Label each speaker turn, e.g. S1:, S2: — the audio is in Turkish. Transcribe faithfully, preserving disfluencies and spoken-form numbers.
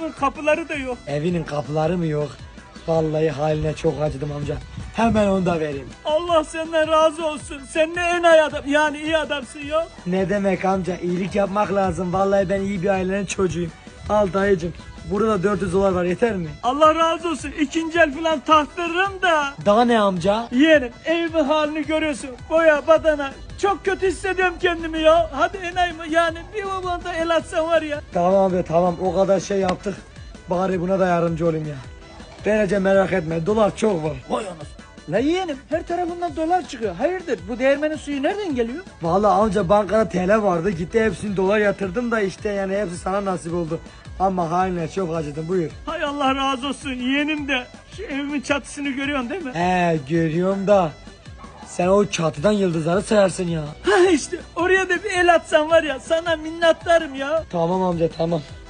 S1: evimin kapıları da yok.
S2: Evinin kapıları mı yok? Vallahi haline çok acıdım amca. Hemen onu da vereyim.
S1: Allah senden razı olsun. Sen ne en iyi adam, yani iyi adamsın ya.
S2: Ne demek amca, iyilik yapmak lazım. Vallahi ben iyi bir ailenin çocuğuyum. Al dayıcım. Burada dört yüz dolar var, yeter mi?
S1: Allah razı olsun. İkinci el falan taktırırım da.
S2: Daha ne amca?
S1: Yeğenim evimin halini görüyorsun. Boya badana. Çok kötü hissediyorum kendimi ya. Hadi enayi mi? Yani bir babanda el atsan var ya.
S2: Tamam abi tamam, o kadar şey yaptık. Bari buna da yardımcı olayım ya. Vereceğim, merak etme, dolar çok var.
S1: Vay anasını. La yeğenim her tarafından dolar çıkıyor. Hayırdır bu değirmenin suyu nereden geliyor?
S2: Vallahi amca bankada T L vardı, gitti hepsini dolar yatırdım da işte yani hepsi sana nasip oldu. Ama haline çok acıdım, buyur.
S1: Hay Allah razı olsun yeğenim de. Şu evimin çatısını görüyorsun değil mi?
S2: He görüyorum da sen o çatıdan yıldızları sayarsın ya.
S1: Ha işte oraya da bir el atsan var ya sana minnettarım ya.
S2: Tamam amca tamam.